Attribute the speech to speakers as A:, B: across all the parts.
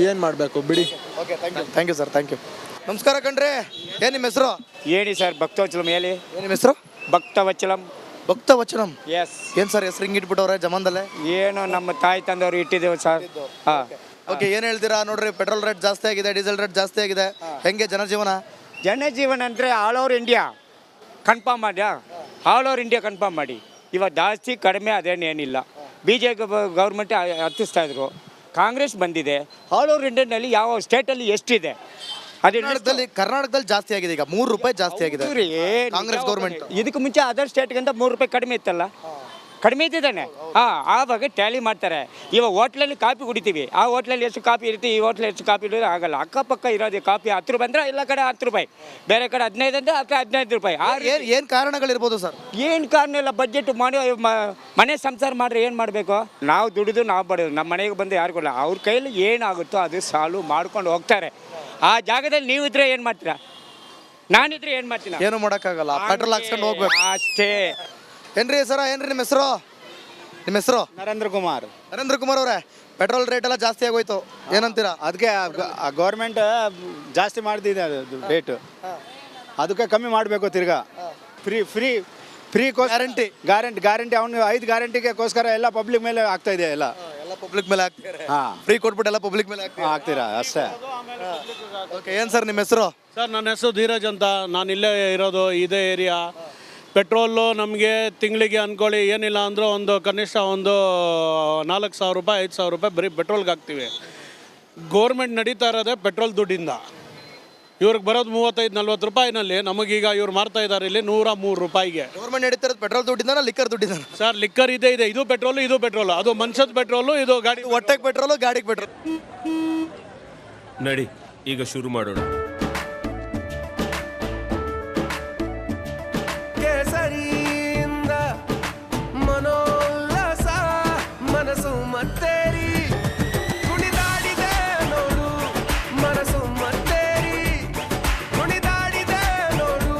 A: ಏನು ಮಾಡಬೇಕು ಬಿಡಿ.
B: Okay thank you sir thank you. ನಮಸ್ಕಾರ ಕಣ್ರಿ, ಏನು ನಿಮ್ಮ ಹೆಸರು?
C: ಹೇಳಿ ಸರ್. ಭಕ್ತವಚಲಂ ಹೇಳಿ.
B: ಏನು ನಿಮ್ಮ ಹೆಸರು?
C: ಭಕ್ತವಚಲಂ.
B: ಭಕ್ತವಚನಂ.
C: ಎಸ್.
B: ಏನು ಸರ್ ಹೆಸರು ಹಿಂಗೆ ಇಟ್ಬಿಟ್ಟವ್ರೆ ಜಮಾನ್ದಲ್ಲೇ?
C: ಏನು ನಮ್ಮ ತಾಯಿ ತಂದವರು ಇಟ್ಟಿದ್ದೇವೆ ಸರ್. ಹಾಂ.
B: ಓಕೆ, ಏನು ಹೇಳ್ತೀರಾ? ನೋಡ್ರಿ, ಪೆಟ್ರೋಲ್ ರೇಟ್ ಜಾಸ್ತಿ ಆಗಿದೆ, ಡೀಸೆಲ್ ರೇಟ್ ಜಾಸ್ತಿ ಆಗಿದೆ, ಹೆಂಗೆ ಜನಜೀವನ?
C: ಜನಜೀವನ ಅಂದರೆ ಆಲ್ ಓವರ್ ಇಂಡಿಯಾ ಕನ್ಫರ್ಮ್ ಮಾಡಿ, ಆಲ್ ಓವರ್ ಇಂಡಿಯಾ ಕನ್ಫರ್ಮ್ ಮಾಡಿ. ಇವಾಗ ಜಾಸ್ತಿ ಕಡಿಮೆ ಅದೇನೇನಿಲ್ಲ. ಬಿ ಜೆ ಪಿ ಗೌರ್ಮೆಂಟ್ ಹತ್ತಿಸ್ತಾ ಇದ್ರು, ಕಾಂಗ್ರೆಸ್ ಬಂದಿದೆ. ಆಲ್ ಓವರ್ ಇಂಡಿಯಾನಲ್ಲಿ ಯಾವ ಸ್ಟೇಟಲ್ಲಿ ಎಷ್ಟಿದೆ?
B: ಕರ್ನಾಟಕದಲ್ಲಿ ಜಾಸ್ತಿ ಆಗಿದೆ, ಈಗ ₹3 ಜಾಸ್ತಿ ಆಗಿದೆ ಕಾಂಗ್ರೆಸ್ ಗೌರ್ಮೆಂಟ್.
C: ಇದಕ್ಕೆ ಮುಂಚೆ ಅದರ್ ಸ್ಟೇಟ್ಗಿಂತ ₹3 ಕಡಿಮೆ ಇತ್ತಲ್ಲ, ಕಡಿಮೆ ಇದ್ದಿದ್ದಾನೆ. ಆವಾಗ ಟ್ಯಾಲಿ ಮಾಡ್ತಾರೆ. ಇವಾಗ ಹೋಟ್ಲಲ್ಲಿ ಕಾಫಿ ಕುಡಿತೀವಿ, ಆ ಹೋಟ್ಲಲ್ಲಿ ಎಷ್ಟು ಕಾಫಿ ಇರುತ್ತೆ, ಈ ಹೋಟ್ಲಲ್ಲಿ ಎಷ್ಟು ಕಾಫಿ ಇರೋದು ಆಗಲ್ಲ. ಅಕ್ಕಪಕ್ಕ ಇರೋದು ಕಾಫಿ ₹10 ಅಂದರೆ ಎಲ್ಲ ಕಡೆ ₹10, ಬೇರೆ ಕಡೆ 15 ಅಂದರೆ ₹15.
B: ಏನು ಕಾರಣಗಳಿರ್ಬೋದು ಸರ್?
C: ಏನು ಕಾರಣ ಇಲ್ಲ, ಬಜೆಟ್ ಮಾಡಿ ಮನೆ ಸಂಸಾರ ಮಾಡ್ರೆ ಏನು ಮಾಡಬೇಕು? ನಾವು ದುಡಿದು ನಾವು ಬಡೋದು, ನಮ್ಮ ಮನೆಗೆ ಬಂದು ಯಾರು ಕೊಡಲ್ಲ. ಅವ್ರ ಕೈಯಲ್ಲಿ ಏನಾಗುತ್ತೋ ಅದು ಸಾಲು ಮಾಡ್ಕೊಂಡು ಹೋಗ್ತಾರೆ. ಆ ಜಾಗದಲ್ಲಿ ನೀವು ಇದ್ರೆ ಏನು ಮಾಡ್ತೀರಾ? ನಾನಿದ್ರೆ ಏನು ಮಾಡ್ತೀನಿ?
B: ಏನು ಮಾಡೋಕ್ಕಾಗಲ್ಲ, ಪೆಟ್ರೋಲ್ ಹಾಕ್ಸ್ಕೊಂಡು ಹೋಗ್ಬೇಕು
C: ಅಷ್ಟೇ.
B: ಏನ್ರಿ ಸರ, ಏನ್ರಿ ನಿಮ್ಮ ಹೆಸರು? ನಿಮ್ಮ ಹೆಸರು?
D: ನರೇಂದ್ರ ಕುಮಾರ್.
B: ನರೇಂದ್ರ ಕುಮಾರ್ ಅವರೇ, ಪೆಟ್ರೋಲ್ ರೇಟ್ ಎಲ್ಲ ಜಾಸ್ತಿ ಆಗೋಯ್ತು, ಏನಂತೀರಾ?
D: ಅದಕ್ಕೆ ಗೌರ್ಮೆಂಟ್ ಜಾಸ್ತಿ ಮಾಡ್ತಿದೆ ಅದು ರೇಟು, ಅದಕ್ಕೆ ಕಮ್ಮಿ ಮಾಡಬೇಕು. ತಿರ್ಗಾ free free free
B: guarantee
D: guarantee ಅವನು 5 ಗ್ಯಾರಂಟಿಗೋಸ್ಕರ ಎಲ್ಲ ಪಬ್ಲಿಕ್ ಮೇಲೆ ಆಗ್ತಾ ಇದೆ. ಎಲ್ಲ
B: ಪಬ್ಲಿಕ್ ಮೇಲೆ ಹಾಕ್ತಾರೆ.
D: ಹಾಂ,
B: ಫ್ರೀ ಕೊಟ್ಬಿಟ್ಟು ಎಲ್ಲ ಪಬ್ಲಿಕ್ ಮೇಲೆ
D: ಹಾಕ್ತೀರಾ ಅಷ್ಟೇ.
B: ಓಕೆ, ಏನು ಸರ್ ನಿಮ್ಮ ಹೆಸರು?
A: ಸರ್ ನನ್ನ ಹೆಸರು ಧೀರಜ್ ಅಂತ. ನಾನು ಇಲ್ಲೇ ಇರೋದು, ಇದೇ ಏರಿಯಾ. ಪೆಟ್ರೋಲು ನಮಗೆ ತಿಂಗಳಿಗೆ ಅಂದ್ಕೊಳ್ಳಿ ಏನಿಲ್ಲ ಅಂದರೂ ಒಂದು ಕನಿಷ್ಠ ಒಂದು ₹4,000 ₹5,000 ಬರೀ ಪೆಟ್ರೋಲ್ಗೆ ಹಾಕ್ತೀವಿ. ಗೋರ್ಮೆಂಟ್ ನಡೀತಾ ಇರೋದೇ ಪೆಟ್ರೋಲ್ ದುಡ್ಡಿಂದ. ಇವ್ರಿಗೆ ಬರೋದು ₹35-40 ನಮಗೀಗ ಇವ್ರು ಮಾರ್ತಾ ಇದ್ದಾರೆ ಇಲ್ಲಿ ₹103.
B: ಗೌರ್ಮೆಂಟ್ ನಡೀತಾ ಪೆಟ್ರೋಲ್ ದುಡ್ಡಿಂದ, ಲಿಕ್ಕರ್ ದುಡ್ಡಿಂದ?
A: ಸರ್ ಲಿಕ್ಕರ್ ಇದೆ, ಇದು ಪೆಟ್ರೋಲು, ಅದು ಮನುಷ್ಯದ ಪೆಟ್ರೋಲು, ಇದು ಗಾಡಿ
B: ಹೊಟ್ಟೆಗೆ ಪೆಟ್ರೋಲು, ಗಾಡಿಗೆ ಪೆಟ್ರೋಲ್.
E: ನಡಿ ಈಗ ಶುರು ಮಾಡೋಣ.
F: ಕೇಸರಿಯಿಂದ ಮನೋಲ್ಲಾಸ ಮನಸ್ಸು ಮತ್ತೇರಿ ಕುಣಿದಾಡಿದೆ ನೋಡು, ಮನಸ್ಸು ಮತ್ತೇರಿ ಕುಣಿದಾಡಿದೆ ನೋಡು.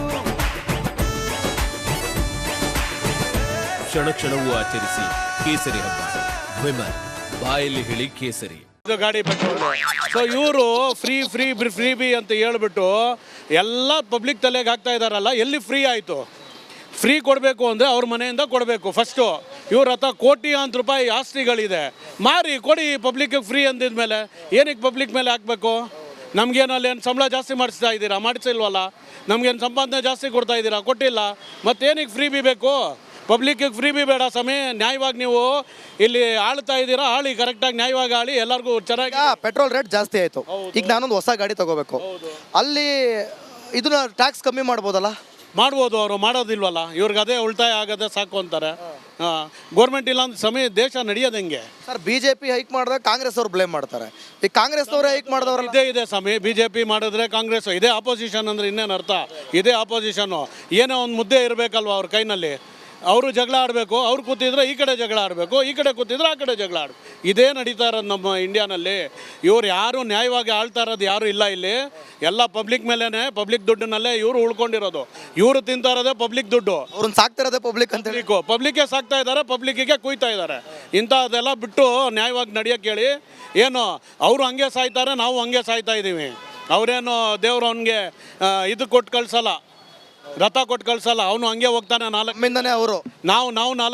E: ಕ್ಷಣ ಕ್ಷಣವೂ ಆಚರಿಸಿ ಕೇಸರಿ ಹಬ್ಬ. ವಿಮಲ್ ಬಾಯಲ್ಲಿ ಹೇಳಿ ಕೇಸರಿ.
A: ಇದು ಗಾಡಿ ಪೆಟ್ರೋಲ್. ಸೊ ಇವರು ಫ್ರೀ ಬಿ ಅಂತ ಹೇಳ್ಬಿಟ್ಟು ಎಲ್ಲ ಪಬ್ಲಿಕ್ ತಲೆಗೆ ಹಾಕ್ತಾ ಇದ್ದಾರಲ್ಲ. ಎಲ್ಲಿ ಫ್ರೀ ಆಯಿತು? ಫ್ರೀ ಕೊಡಬೇಕು ಅಂದರೆ ಅವ್ರ ಮನೆಯಿಂದ ಕೊಡಬೇಕು ಫಸ್ಟು. ಇವ್ರ ಹತ್ರ ಕೋಟ್ಯಾಂತರ ರೂಪಾಯಿ ಆಸ್ತಿಗಳಿದೆ, ಮಾರಿ ಕೊಡಿ ಪಬ್ಲಿಕ್ಗೆ ಫ್ರೀ ಅಂದಿದ್ಮೇಲೆ ಏನಕ್ಕೆ ಪಬ್ಲಿಕ್ ಮೇಲೆ ಹಾಕಬೇಕು? ನಮಗೇನಲ್ಲಿ ಏನು ಸಂಬಳ ಜಾಸ್ತಿ ಮಾಡಿಸ್ತಾ ಇದ್ದೀರಾ? ಮಾಡಿಸಿಲ್ವಲ್ಲ. ನಮಗೇನು ಸಂಪಾದನೆ ಜಾಸ್ತಿ ಕೊಡ್ತಾ ಇದ್ದೀರಾ? ಕೊಟ್ಟಿಲ್ಲ. ಮತ್ತೇನಕ್ಕೆ ಫ್ರೀ ಬಿ ಬೇಕು? ಪಬ್ಲಿಕ್ಕಿಗೆ ಫ್ರೀ ಬಿ ಬೇಡ ಸ್ವಾಮಿ. ನ್ಯಾಯವಾಗಿ ನೀವು ಇಲ್ಲಿ ಆಳ್ತಾ ಇದ್ದೀರಾ, ಆಳಿ ಕರೆಕ್ಟಾಗಿ ನ್ಯಾಯವಾಗಿ ಆಳಿ ಎಲ್ಲರಿಗೂ ಚೆನ್ನಾಗಿ.
B: ಪೆಟ್ರೋಲ್ ರೇಟ್ ಜಾಸ್ತಿ ಆಯಿತು, ಈಗ ನಾನೊಂದು ಹೊಸ ಗಾಡಿ ತಗೋಬೇಕು, ಅಲ್ಲಿ ಇದನ್ನ ಟ್ಯಾಕ್ಸ್ ಕಮ್ಮಿ ಮಾಡ್ಬೋದಲ್ಲ?
A: ಮಾಡ್ಬೋದು, ಅವರು ಮಾಡೋದಿಲ್ವಲ್ಲ. ಇವ್ರಿಗೆ ಅದೇ ಉಳಿತಾಯ ಆಗದೆ ಸಾಕು ಅಂತಾರೆ. ಗೌರ್ಮೆಂಟ್ ಇಲ್ಲ ಅಂದ್ರೆ ಸಮಯ ದೇಶ ನಡೆಯೋದು ಹೆಂಗೆ
B: ಸರ್? BJP ಹೈಕ್ ಮಾಡಿದಾಗ ಕಾಂಗ್ರೆಸ್ ಅವ್ರು ಬ್ಲೇಮ್ ಮಾಡ್ತಾರೆ, ಈ ಕಾಂಗ್ರೆಸ್ ಅವರೇ ಹೈಕ್ ಮಾಡಿದವ್ರು.
A: ಇದೆ ಸ್ವಾಮಿ, BJP ಮಾಡಿದ್ರೆ ಕಾಂಗ್ರೆಸ್ ಇದೇ ಆಪೋಸಿಷನ್ ಅಂದ್ರೆ ಇನ್ನೇನು ಅರ್ಥ? ಇದೇ ಆಪೋಸಿಷನ್ನು. ಏನೋ ಒಂದು ಮುದ್ದೆ ಇರಬೇಕಲ್ವ ಅವ್ರ ಕೈನಲ್ಲಿ. ಅವರು ಜಗಳ ಆಡಬೇಕು, ಅವ್ರು ಕೂತಿದ್ರೆ ಈ ಕಡೆ ಜಗಳ ಆಡಬೇಕು, ಈ ಕಡೆ ಕೂತಿದ್ರೆ ಆ ಕಡೆ ಜಗಳ ಆಡಬೇಕು. ಇದೇ ನಡೀತಾ ಇರೋದು ನಮ್ಮ ಇಂಡಿಯಾನಲ್ಲಿ. ಇವ್ರು ಯಾರು ನ್ಯಾಯವಾಗಿ ಆಳ್ತಾ ಇರೋದು ಯಾರು ಇಲ್ಲ ಇಲ್ಲಿ. ಎಲ್ಲ ಪಬ್ಲಿಕ್ ಮೇಲೇ, ಪಬ್ಲಿಕ್ ದುಡ್ಡಿನಲ್ಲೇ ಇವರು ಉಳ್ಕೊಂಡಿರೋದು. ಇವರು ತಿಂತಾ ಇರೋದೇ ಪಬ್ಲಿಕ್ ದುಡ್ಡು,
B: ಅವ್ರನ್ನ ಸಾಕ್ತಾ ಇರೋದೇ ಪಬ್ಲಿಕ್ ಅಂತ ಹೇಳಿ.
A: ಪಬ್ಲಿಕ್ಗೆ ಸಾಕ್ತಾ ಇದ್ದಾರೆ, ಪಬ್ಲಿಕ್ಕಿಗೆ ಕುಯ್ತಾ ಇದ್ದಾರೆ. ಇಂಥದ್ದೆಲ್ಲ ಬಿಟ್ಟು ನ್ಯಾಯವಾಗಿ ನಡೆಯೋಕ್ಕೆ ಹೇಳಿ. ಏನು ಅವರು ಹಂಗೆ ಸಾಯ್ತಾರೆ, ನಾವು ಹಂಗೆ ಸಾಯ್ತಾ ಇದ್ದೀವಿ. ಅವರೇನು ದೇವ್ರು ಅವನಿಗೆ ಇದು ಕೊಟ್ಟು ಕಳ್ಸಲ್ಲ, ರಥ ಕೊಟ್ಟು ಕಳ್ಸಲ್ಲ, ಅವನು ಹಂಗೆ ಹೋಗ್ತಾನೆ.
B: ಅವರು
A: ನಾವು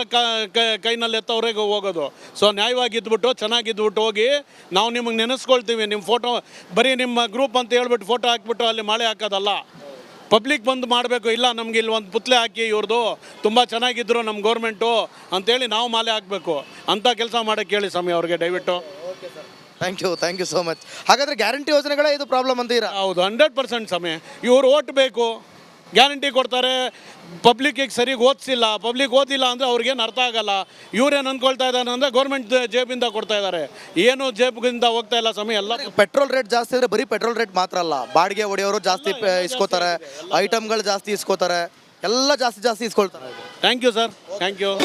A: 4 ಕೈನಲ್ಲಿ ಎತ್ತವ್ರಿಗೆ ಹೋಗೋದು. ಸೊ ನ್ಯಾಯವಾಗಿ ಇದ್ಬಿಟ್ಟು ಚೆನ್ನಾಗಿದ್ಬಿಟ್ಟು ಹೋಗಿ ನಾವು ನಿಮಗೆ ನೆನೆಸ್ಕೊಳ್ತೀವಿ. ನಿಮ್ಮ ಫೋಟೋ ಬರೀ ನಿಮ್ಮ ಗ್ರೂಪ್ ಅಂತ ಹೇಳ್ಬಿಟ್ಟು ಫೋಟೋ ಹಾಕ್ಬಿಟ್ಟು ಅಲ್ಲಿ ಮಾಳೆ ಹಾಕೋದಲ್ಲ. ಪಬ್ಲಿಕ್ ಬಂದು ಮಾಡಬೇಕು. ಇಲ್ಲ ನಮ್ಗೆ ಇಲ್ಲಿ ಒಂದು ಪುತ್ಲೆ ಹಾಕಿ ಇವ್ರದ್ದು ತುಂಬ ಚೆನ್ನಾಗಿದ್ರು ನಮ್ಮ ಗೌರ್ಮೆಂಟು ಅಂತೇಳಿ ನಾವು ಮಾಲೆ ಹಾಕಬೇಕು. ಅಂಥ ಕೆಲಸ ಮಾಡೋಕ್ಕೆ ಹೇಳಿ ಸ್ವಾಮಿ ಅವ್ರಿಗೆ ದಯವಿಟ್ಟು.
B: Thank you so much. ಹಾಗಾದರೆ ಗ್ಯಾರಂಟಿ ಯೋಜನೆಗಳೇ ಇದು ಪ್ರಾಬ್ಲಮ್ ಅಂತೀರಾ?
A: ಹೌದು, 100% ಸ್ವಾಮಿ. ಇವ್ರು ಓಟ್ ಬೇಕು, ಗ್ಯಾರಂಟಿ ಕೊಡ್ತಾರೆ, ಪಬ್ಲಿಕ್ಕಿಗೆ ಸರಿಗೆ ಓದಿಸಿಲ್ಲ. ಪಬ್ಲಿಕ್ ಓದಿಲ್ಲ ಅಂದರೆ ಅವ್ರಿಗೇನು ಅರ್ಥ ಆಗಲ್ಲ. ಇವ್ರೇನು ಅಂದ್ಕೊಳ್ತಾ ಇದ್ದಾರೆ ಅಂದರೆ ಗೌರ್ಮೆಂಟ್ ಜೇಬಿಂದ ಕೊಡ್ತಾ ಇದ್ದಾರೆ, ಏನು ಜೇಬಿಂದ ಹೋಗ್ತಾ ಇಲ್ಲ ಸ್ವಾಮಿ. ಎಲ್ಲ
B: ಪೆಟ್ರೋಲ್ ರೇಟ್ ಜಾಸ್ತಿ ಅಂದರೆ ಬರೀ ಪೆಟ್ರೋಲ್ ರೇಟ್ ಮಾತ್ರ ಅಲ್ಲ, ಬಾಡಿಗೆ ಹೊಡೆಯೋರು ಜಾಸ್ತಿ ಇಸ್ಕೋತಾರೆ, ಐಟಮ್ಗಳು ಜಾಸ್ತಿ ಇಸ್ಕೋತಾರೆ, ಎಲ್ಲ ಜಾಸ್ತಿ ಇಸ್ಕೊಳ್ತಾರೆ.
A: Thank you sir, thank you.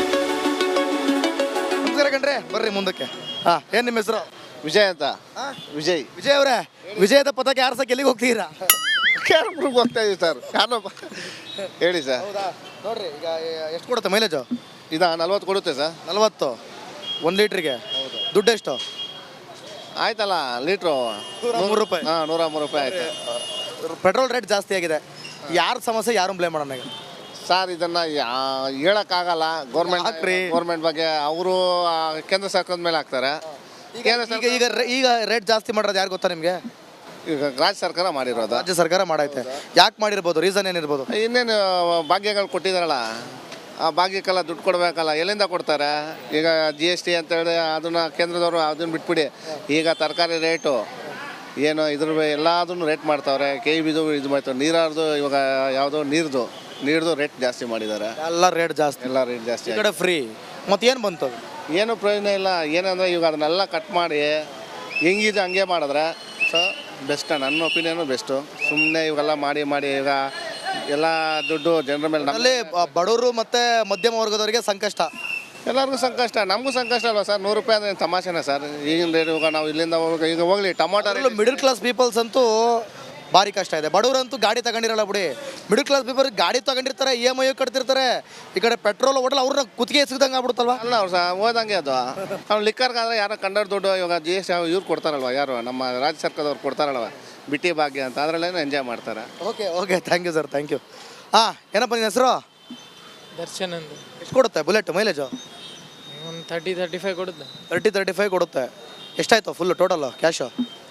B: ನಮಸ್ಕಾರ ಕಣ್ರಿ, ಬರ್ರಿ ಮುಂದಕ್ಕೆ. ಹಾಂ, ಏನು ನಿಮ್ಮ ಹೆಸರು?
D: ವಿಜಯ್ ಅಂತ. ವಿಜಯ್
B: ಅವರೇ, ವಿಜಯದ ಪದಕ್ಕೆ ಯಾರು ಎಲ್ಲಿಗೆ ಹೋಗ್ತೀರಾ?
D: ಹೋಗ್ತಾ ಇದೀವಿ ಸರ್. ಹೇಳಿ ಸರ್.
B: ಹೌದಾ? ನೋಡ್ರಿ, ಈಗ ಎಷ್ಟು ಕೊಡುತ್ತೆ ಮೈಲೇಜು?
D: ಇದು 40 ಕೊಡುತ್ತೆ ಸರ್.
B: 40 1 ಲೀಟ್ರಿಗೆ? ದುಡ್ಡು ಎಷ್ಟು?
G: ಆಯ್ತಲ್ಲ ಲೀಟ್ರು
B: 103 ರೂಪಾಯಿ.
G: ಹಾಂ 103 ರೂಪಾಯಿ ಆಯ್ತು.
B: ಪೆಟ್ರೋಲ್ ರೇಟ್ ಜಾಸ್ತಿ ಆಗಿದೆ. ಯಾರ ಸಮಸ್ಯೆ ಯಾರು ಬ್ಲೇಮ್ ಮಾಡೋಣ ಈಗ?
G: ಸರ್ ಇದನ್ನು ಹೇಳೋಕ್ಕಾಗಲ್ಲ.
B: ಹಾಕ್ರಿ.
G: ಗೌರ್ಮೆಂಟ್ ಬಗ್ಗೆ ಅವರು ಕೇಂದ್ರ ಸರ್ಕಾರದ ಮೇಲೆ ಹಾಕ್ತಾರೆ. ಕೇಂದ್ರ
B: ಈಗ ಈಗ ಈಗ ರೇಟ್ ಜಾಸ್ತಿ ಮಾಡೋದು ಯಾರು ಗೊತ್ತಾ ನಿಮಗೆ?
G: ಈಗ ರಾಜ್ಯ ಸರ್ಕಾರ ಮಾಡಿರೋದು.
B: ರಾಜ್ಯ ಸರ್ಕಾರ ಮಾಡೈತೆ. ಯಾಕೆ ಮಾಡಿರ್ಬೋದು? ರೀಸನ್ ಏನಿರ್ಬೋದು?
G: ಇನ್ನೇನು ಭಾಗ್ಯಗಳು ಕೊಟ್ಟಿದ್ದಾರಲ್ಲ, ಆ ಭಾಗ್ಯಕ್ಕೆಲ್ಲ ದುಡ್ಡು ಕೊಡಬೇಕಲ್ಲ, ಎಲ್ಲಿಂದ ಕೊಡ್ತಾರೆ? ಈಗ GST ಅಂತೇಳಿ ಅದನ್ನು ಕೇಂದ್ರದವರು ಅದನ್ನು ಬಿಟ್ಬಿಡಿ. ಈಗ ತರಕಾರಿ ರೇಟು ಏನು ಎಲ್ಲದನ್ನು ರೇಟ್ ಮಾಡ್ತಾವ್ರೆ. KEBದು ಇದು ಮಾಡ್ತಾರೆ. ನೀರಾರ್ದು ಇವಾಗ ಯಾವುದೋ ನೀರ್ದು ರೇಟ್ ಜಾಸ್ತಿ ಮಾಡಿದ್ದಾರೆ.
B: ಎಲ್ಲ ರೇಟ್ ಜಾಸ್ತಿ.
G: ಎಲ್ಲ ರೇಟ್ ಜಾಸ್ತಿ
B: ಈ ಕಡೆ ಫ್ರೀ. ಮತ್ತೆ ಏನು ಬಂತು?
G: ಏನು ಪ್ರಯೋಜನ ಇಲ್ಲ. ಏನಂದರೆ ಇವಾಗ ಅದನ್ನೆಲ್ಲ ಕಟ್ ಮಾಡಿ ಹೆಂಗಿದೆ ಹಂಗೆ ಮಾಡಿದ್ರೆ ಸೊ ಬೆಸ್ಟ್. ನನ್ನ ಒಪಿನಿಯನು ಬೆಸ್ಟು. ಸುಮ್ಮನೆ ಇವೆಲ್ಲ ಮಾಡಿ ಈಗ ಎಲ್ಲ ದುಡ್ಡು ಜನರ ಮೇಲೆ
B: ಅಲ್ಲಿ ಬಡವರು ಮತ್ತೆ ಮಧ್ಯಮ ವರ್ಗದವರಿಗೆ ಸಂಕಷ್ಟ.
G: ಎಲ್ಲರಿಗೂ ಸಂಕಷ್ಟ, ನಮಗೂ ಸಂಕಷ್ಟ ಅಲ್ವಾ ಸರ್? 100 ರೂಪಾಯಿ ಅಂದರೆ ತಮಾಷೆನ ಸರ್? ಈಗಿನ ರೇಟ್ ಇವಾಗ ನಾವು ಇಲ್ಲಿಂದ ಈಗ ಹೋಗ್ಲಿ ಟೊಮಾಟೊ
B: ಮಿಡಲ್ ಕ್ಲಾಸ್ ಪೀಪಲ್ಸ್ ಅಂತೂ ಭಾರಿ ಕಷ್ಟ ಇದೆ. ಬಡವರಂತೂ ಗಾಡಿ ತಗೊಂಡಿರಲ್ಲ ಬಿಡಿ. ಮಿಡಲ್ ಕ್ಲಾಸ್ ಪೀಪಲ್ ಗಾಡಿ ತಗೊಂಡಿರ್ತಾರೆ, EMI ಕಟ್ತಿರ್ತಾರೆ. ಈ ಕಡೆ ಪೆಟ್ರೋಲ್ ಹೋಟೆಲ್ ಅವ್ರನ್ನ ಕುತ್ತಿಗೆ ಸಿಗ್ದಂಗೆ ಆಗ್ಬಿಡುತ್ತಲ್ವಾ?
G: ಅಲ್ಲ ಅವ್ರು ಸಹ ಓದಂಗೆ ಅದು. ಅವ್ನು ಲಿಕ್ಕರ್ಗಾದ್ರೆ ಯಾರೋ ಕಂಡರ್ ದುಡ್ಡು ಇವಾಗ GST ಇವ್ರು ಕೊಡ್ತಾರಲ್ವ, ಯಾರು ನಮ್ಮ ರಾಜ್ಯ ಸರ್ಕಾರದವ್ರು ಕೊಡ್ತಾರಲ್ವ, ಬಿಟ್ಟಿ ಭಾಗ್ಯ ಅಂತ, ಅದರಲ್ಲೇನೋ ಎಂಜಾಯ್ ಮಾಡ್ತಾರೆ.
B: Okay thank you sir, thank you. ಹಾಂ, ಏನಪ್ಪ ನಿನ್ನ ಹೆಸರು?
H: ದರ್ಶನ್ ಅಂತ.
B: ಎಷ್ಟು ಕೊಡುತ್ತೆ ಬುಲೆಟ್ ಮೈಲೇಜು?
H: ಒಂದು 30-35 ಕೊಡುತ್ತೆ.
B: 30-35 ಕೊಡುತ್ತೆ. ಎಷ್ಟಾಯ್ತು ಫುಲ್ ಟೋಟಲ್ ಕ್ಯಾಶು?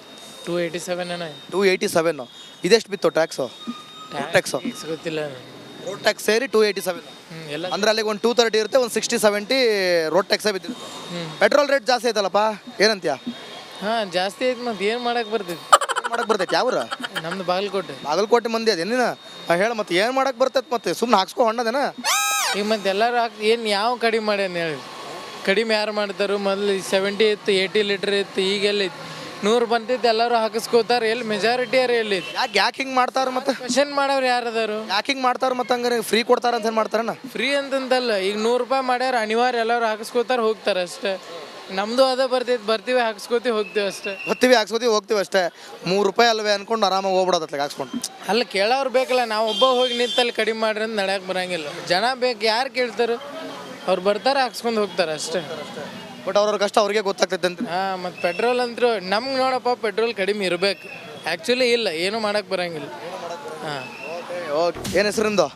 H: 287 ಏನೋ.
B: 287. ಇದೆಷ್ಟು ಬಿತ್ತು ಟ್ಯಾಕ್ಸು? ಟ್ಯಾಕ್ಸು
H: ಗೊತ್ತಿಲ್ಲ.
B: ರೋಡ್ ಟ್ಯಾಕ್ಸ್ ಸೇರಿ 287.
H: ಎಲ್ಲ
B: ಅಂದ್ರೆ ಅಲ್ಲಿಗೆ ಒಂದು 230 ಇರುತ್ತೆ, ಒಂದು 60-70 ರೋಡ್ ಟ್ಯಾಕ್ಸೇ ಬಿದ್ದಿರುತ್ತೆ. ಪೆಟ್ರೋಲ್ ರೇಟ್ ಜಾಸ್ತಿ ಆಯ್ತಲ್ಲಪ್ಪ, ಏನಂತೀಯ?
H: ಹಾಂ ಜಾಸ್ತಿ ಐತೆ, ಮತ್ತೆ ಏನು ಮಾಡಕ್ಕೆ ಬರ್ತೈತಿ?
B: ಮಾಡಕ್ಕೆ ಬರ್ತೈತೆ? ಯಾವ್ರ?
H: ನಮ್ದು
B: ಬಾಗಲಕೋಟೆ ಮಂದಿ ಅದೇನಿನ ಹೇಳಿ. ಮತ್ತೆ ಏನು ಮಾಡಕ್ಕೆ ಬರ್ತೈತೆ? ಮತ್ತೆ ಸುಮ್ಮನೆ ಹಾಕ್ಸ್ಕೊ ಹೊಣ್ಣದೇನ?
H: ಈಗ ಮತ್ತೆ ಎಲ್ಲರೂ ಏನು ಯಾವ ಕಡಿಮೆ ಮಾಡ್ಯಾನ ಹೇಳಿ? ಕಡಿಮೆ ಯಾರು ಮಾಡ್ತಾರೋ? ಮೊದಲು 70 ಇತ್ತು, 80 ಲೀಟ್ರ್ ಇತ್ತು, ಈಗೆಲ್ಲ 100 ಬಂತೈತೆ. ಎಲ್ಲರೂ ಹಾಕಿಸ್ಕೋತಾರೆ. ಎಲ್ಲಿ ಮೆಜಾರಿಟಿ ಯಾರು ಎಲ್ಲಿ?
B: ಯಾಕೆ ಹಿಂಗೆ ಮಾಡ್ತಾರೆ? ಮತ್ತೆ
H: ಕ್ವಶನ್ ಮಾಡೋರು ಯಾರದಾರು?
B: ಯಾಕೆ ಹಿಂಗೆ ಮಾಡ್ತಾರೆ? ಮತ್ತೆ ಹಂಗಾರೆ ಫ್ರೀ ಕೊಡ್ತಾರೆ ಅಂತ ಏನು ಮಾಡ್ತಾರಣ್ಣ?
H: ಫ್ರೀ ಅಂತಂತಲ್ಲ, ಈಗ 100 ರೂಪಾಯಿ ಮಾಡ್ಯಾರ, ಅನಿವಾರ್ಯ ಎಲ್ಲರೂ ಹಾಕಿಸ್ಕೋತಾರೆ, ಹೋಗ್ತಾರೆ ಅಷ್ಟೇ. ನಮ್ಮದು ಅದೇ ಬರ್ತೈತೆ, ಬರ್ತೀವಿ ಹಾಕ್ಸ್ಕೋತೀವಿ ಹೋಗ್ತೀವಿ ಅಷ್ಟೇ.
B: ಬರ್ತೀವಿ ಹಾಕ್ಸ್ಕೋತೀವಿ ಹೋಗ್ತೀವಿ ಅಷ್ಟೇ. 3 ರೂಪಾಯಿ ಅಲ್ವೇ ಅನ್ಕೊಂಡು ಆರಾಮಾಗಿ ಹೋಗ್ಬಿಡೋದತ್ಲಾಗ ಹಾಕ್ಸ್ಕೊಂಡು.
H: ಅಲ್ಲ ಕೇಳೋರು ಬೇಕಲ್ಲ. ನಾವು ಒಬ್ಬ ಹೋಗಿ ನಿಂತಲ್ಲಿ ಕಡಿಮೆ ಮಾಡ್ರಿ ಅಂತ ನಡೆಯಕ್ಕೆ ಬರಂಗಿಲ್ಲ. ಜನ ಬೇಕು, ಯಾರು ಕೇಳ್ತಾರೆ? ಅವ್ರು ಬರ್ತಾರೆ, ಹಾಕ್ಸ್ಕೊಂಡು ಹೋಗ್ತಾರೆ ಅಷ್ಟೇ.
B: ಬಟ್ ಅವ್ರವ್ರ ಕಷ್ಟ ಅವ್ರಿಗೆ ಗೊತ್ತಾಗ್ತೈತೆ ಅಂತ.
H: ಹಾಂ, ಮತ್ತು ಪೆಟ್ರೋಲ್ ಅಂತೂ ನಮ್ಗೆ ನೋಡಪ್ಪ, ಪೆಟ್ರೋಲ್ ಕಡಿಮೆ ಇರಬೇಕು. ಆ್ಯಕ್ಚುಲಿ ಇಲ್ಲ, ಏನೂ ಮಾಡೋಕ್ಕೆ ಬರೋಂಗಿಲ್ಲ. ಹಾಂ,
B: ಓಕೆ. ಏನು ಹೆಸರಿಂದ?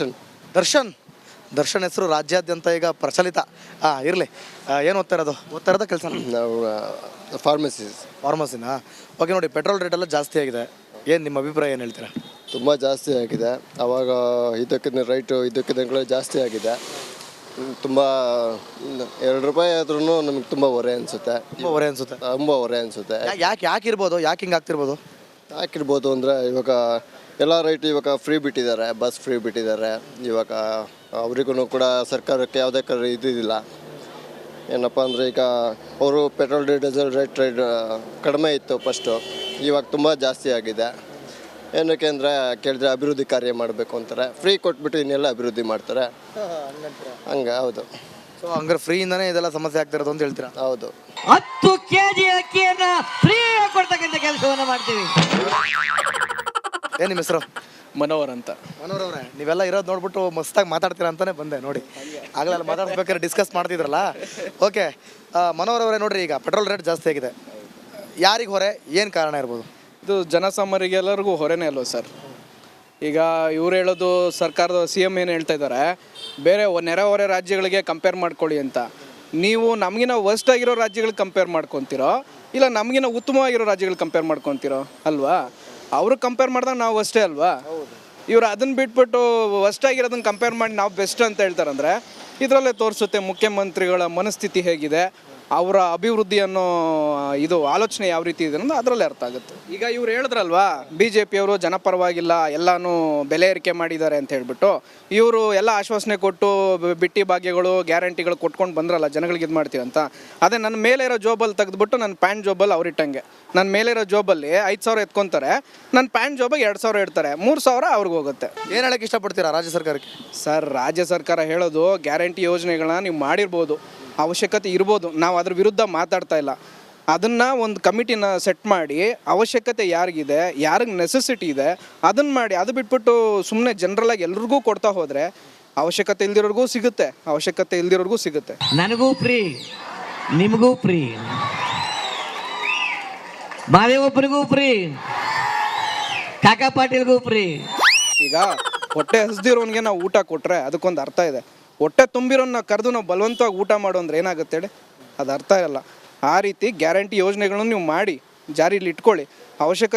B: ದರ್ಶನ್ ಹೆಸರು ರಾಜ್ಯಾದ್ಯಂತ ಈಗ ಪ್ರಚಲಿತ. ಇರಲಿ. ಏನು ಓದ್ತಾ ಇರೋದು ಕೆಲಸ?
G: ನಾವು
B: ಫಾರ್ಮಸಿನಾ? ಓಕೆ. ನೋಡಿ, ಪೆಟ್ರೋಲ್ ರೇಟ್ ಎಲ್ಲ ಜಾಸ್ತಿ ಆಗಿದೆ. ಏನು ನಿಮ್ಮ ಅಭಿಪ್ರಾಯ, ಏನು ಹೇಳ್ತೀರಾ?
I: ತುಂಬ ಜಾಸ್ತಿ ಆಗಿದೆ. ಆವಾಗ ಇದಕ್ಕಿಂತ ರೈಟು ಇದಕ್ಕಿಂತ ಜಾಸ್ತಿ ಆಗಿದೆ. ತುಂಬ 2 ರೂಪಾಯಿ ಆದ್ರೂ ನಮಗೆ ತುಂಬ ಹೊರೆ ಅನಿಸುತ್ತೆ. ತುಂಬ ಹೊರೆ ಅನಿಸುತ್ತೆ.
B: ಯಾಕೆ ಇರ್ಬೋದು? ಯಾಕೆ ಹಿಂಗೆ ಆಗ್ತಿರ್ಬೋದು?
I: ಹಾಕಿರ್ಬೋದು ಅಂದರೆ ಇವಾಗ ಎಲ್ಲ ರೈಟ್ ಇವಾಗ ಫ್ರೀ ಬಿಟ್ಟಿದ್ದಾರೆ, ಬಸ್ ಫ್ರೀ ಬಿಟ್ಟಿದ್ದಾರೆ. ಇವಾಗ ಅವರಿಗೂ ಕೂಡ ಸರ್ಕಾರಕ್ಕೆ ಯಾವುದೇ ಇದಿಲ್ಲ. ಏನಪ್ಪ ಅಂದರೆ ಈಗ ಅವರು ಪೆಟ್ರೋಲ್ ಡೀಸೆಲ್ ರೇಟ್ ಕಡಿಮೆ ಇತ್ತು ಫಸ್ಟು, ಇವಾಗ ತುಂಬ ಜಾಸ್ತಿ ಆಗಿದೆ. ಏನಕ್ಕೆ ಅಂದರೆ ಕೇಳಿದ್ರೆ ಅಭಿವೃದ್ಧಿ ಕಾರ್ಯ ಮಾಡಬೇಕು ಅಂತಾರೆ. ಫ್ರೀ ಕೊಟ್ಬಿಟ್ಟು ಇನ್ನೆಲ್ಲ ಅಭಿವೃದ್ಧಿ ಮಾಡ್ತಾರೆ. ಹಂಗೆ ಹೌದು.
B: ಸೊ ಹಂಗಾರೆ ಫ್ರೀಯಿಂದನೇ ಇದೆಲ್ಲ ಸಮಸ್ಯೆ ಆಗ್ತಿರೋದು ಅಂತ ಹೇಳ್ತೀರಾ?
I: ಹೌದು.
J: 10 kg ಅಕ್ಕಿಯನ್ನು ಫ್ರೀ ಕೊಡ್ತಕ್ಕಂಥ ಕೆಲಸವನ್ನು ಮಾಡ್ತೀವಿ.
B: ಏನು ನಿಮ್ಮ ಹೆಸರು?
K: ಮನೋಹರ್ ಅಂತ.
B: ಮನೋಹರ್ ಅವರೇ, ನೀವೆಲ್ಲ ಇರೋದು ನೋಡ್ಬಿಟ್ಟು ಮಸ್ತಾಗಿ ಮಾತಾಡ್ತೀರಾ ಅಂತಾನೆ ಬಂದೆ. ನೋಡಿ, ಆಗಲೆಲ್ಲ ಮಾತಾಡ್ಬೇಕಾದ್ರೆ ಡಿಸ್ಕಸ್ ಮಾಡ್ತಿದ್ರಲ್ಲ. ಓಕೆ. ಮನೋಹರ್ ಅವರೇ, ನೋಡ್ರಿ, ಈಗ ಪೆಟ್ರೋಲ್ ರೇಟ್ ಜಾಸ್ತಿ ಆಗಿದೆ. ಯಾರಿಗೆ ಹೊರೆ? ಏನು ಕಾರಣ ಇರ್ಬೋದು?
K: ಇದು ಜನಸಾಮಾನ್ಯರಿಗೆ ಎಲ್ಲರಿಗೂ ಹೊರೆನೇ ಅಲ್ವ ಸರ್? ಈಗ ಇವ್ರು ಹೇಳೋದು ಸರ್ಕಾರದ CM ಏನು ಹೇಳ್ತಾ ಇದ್ದಾರೆ, ಬೇರೆ ನೆರೆಹೊರೆ ರಾಜ್ಯಗಳಿಗೆ ಕಂಪೇರ್ ಮಾಡ್ಕೊಳ್ಳಿ ಅಂತ. ನೀವು ನಮಗಿನ ವರ್ಸ್ಟ್ ಆಗಿರೋ ರಾಜ್ಯಗಳಿಗೆ ಕಂಪೇರ್ ಮಾಡ್ಕೊತೀರೋ, ಇಲ್ಲ ನಮಗಿನ ಉತ್ತಮವಾಗಿರೋ ರಾಜ್ಯಗಳಿಗೆ ಕಂಪೇರ್ ಮಾಡ್ಕೊತೀರೋ ಅಲ್ವಾ? ಅವರು ಕಂಪೇರ್ ಮಾಡಿದಾಗ ನಾವು ಅಷ್ಟೇ ಅಲ್ವಾ? ಇವರು ಅದನ್ನು ಬಿಟ್ಬಿಟ್ಟು ವರ್ಸ್ಟ್ ಆಗಿರೋದನ್ನು ಕಂಪೇರ್ ಮಾಡಿ ನಾವು ಬೆಸ್ಟ್ ಅಂತ ಹೇಳ್ತಾರಂದರೆ ಇದರಲ್ಲೇ ತೋರಿಸುತ್ತೆ ಮುಖ್ಯಮಂತ್ರಿಗಳ ಮನಸ್ಥಿತಿ ಹೇಗಿದೆ, ಅವರ ಅಭಿವೃದ್ಧಿ ಅನ್ನೋ ಇದು ಆಲೋಚನೆ ಯಾವ ರೀತಿ ಇದೆ ಅನ್ನೋದು ಅದರಲ್ಲೇ ಅರ್ಥ ಆಗುತ್ತೆ. ಈಗ ಇವ್ರು ಹೇಳಿದ್ರಲ್ವಾ, BJP ಅವರು ಜನಪರವಾಗಿಲ್ಲ, ಎಲ್ಲನೂ ಬೆಲೆ ಏರಿಕೆ ಮಾಡಿದ್ದಾರೆ ಅಂತ ಹೇಳ್ಬಿಟ್ಟು ಇವರು ಎಲ್ಲ ಆಶ್ವಾಸನೆ ಕೊಟ್ಟು ಬಿಟ್ಟಿ ಭಾಗ್ಯಗಳು ಗ್ಯಾರಂಟಿಗಳು ಕೊಟ್ಕೊಂಡು ಬಂದ್ರಲ್ಲ ಜನಗಳಿಗೆ ಇದು ಮಾಡ್ತೀವಿ ಅಂತ. ಅದೇ ನನ್ನ ಮೇಲೆ ಇರೋ ಜೋಬಲ್ಲಿ ತೆಗೆದುಬಿಟ್ಟು ನನ್ನ ಪ್ಯಾಂಟ್ ಜೋಬಲ್ಲಿ ಅವ್ರು ಇಟ್ಟಂಗೆ. ನನ್ನ ಮೇಲಿರೋ ಜೋಬಲ್ಲಿ 5,000 ಎತ್ಕೊತಾರೆ, ನನ್ನ ಪ್ಯಾಂಟ್ ಜೋಬಾಗಿ 2,000 ಇಡ್ತಾರೆ, 3,000 ಅವ್ರಿಗೆ ಹೋಗುತ್ತೆ.
B: ಏನು ಹೇಳಕ್ಕೆ ಇಷ್ಟಪಡ್ತೀರಾ ರಾಜ್ಯ ಸರ್ಕಾರಕ್ಕೆ?
K: ಸರ್, ರಾಜ್ಯ ಸರ್ಕಾರ ಹೇಳೋದು ಗ್ಯಾರಂಟಿ ಯೋಜನೆಗಳನ್ನ ನೀವು ಮಾಡಿರ್ಬೋದು, ಅವಶ್ಯಕತೆ ಇರ್ಬೋದು, ನಾವು ಅದ್ರ ವಿರುದ್ಧ ಮಾತಾಡ್ತಾ ಇಲ್ಲ. ಅದನ್ನು ಒಂದು ಕಮಿಟಿನ ಸೆಟ್ ಮಾಡಿ ಅವಶ್ಯಕತೆ ಯಾರಿಗಿದೆ, ಯಾರಿಗೆ ನೆಸೆಸಿಟಿ ಇದೆ ಅದನ್ನು ಮಾಡಿ, ಅದು ಬಿಟ್ಬಿಟ್ಟು ಸುಮ್ಮನೆ ಜನರಲಾಗಿ ಎಲ್ರಿಗೂ ಕೊಡ್ತಾ ಹೋದರೆ ಅವಶ್ಯಕತೆ ಇಲ್ದಿರೋರ್ಗೂ ಸಿಗುತ್ತೆ, ಅವಶ್ಯಕತೆ ಇಲ್ದಿರೋರ್ಗೂ ಸಿಗುತ್ತೆ.
J: ನನಗೂ ಫ್ರೀ, ನಿಮಗೂ ಫ್ರೀ. ಮಾದೇವಪ್ಪನಿಗೂ ಫ್ರೀ, ಕಾಕಾ ಪಾಟೀಲ್ಗೂ ಫ್ರೀ.
K: ಈಗ ಹೊಟ್ಟೆ ಹಸ್ದಿರೋನ್ಗೆ ನಾವು ಊಟ ಕೊಟ್ಟರೆ ಅದಕ್ಕೊಂದು ಅರ್ಥ ಇದೆ. ಹೊಟ್ಟೆ ತುಂಬಿರೋನ್ನ ಕರೆದು ನಾವು ಬಲವಂತವಾಗಿ ಊಟ ಮಾಡು ಅಂದ್ರೆ ಏನಾಗುತ್ತೆ ಹೇಳಿ? ಅದು ಅರ್ಥ ಇರಲ್ಲ. ಆ ರೀತಿ ಗ್ಯಾರಂಟಿ ಯೋಜನೆಗಳನ್ನು ನೀವು ಮಾಡಿ ಜಾರಿಲಿ ಇಟ್ಕೊಳ್ಳಿ. ಅವಶ್ಯಕತೆ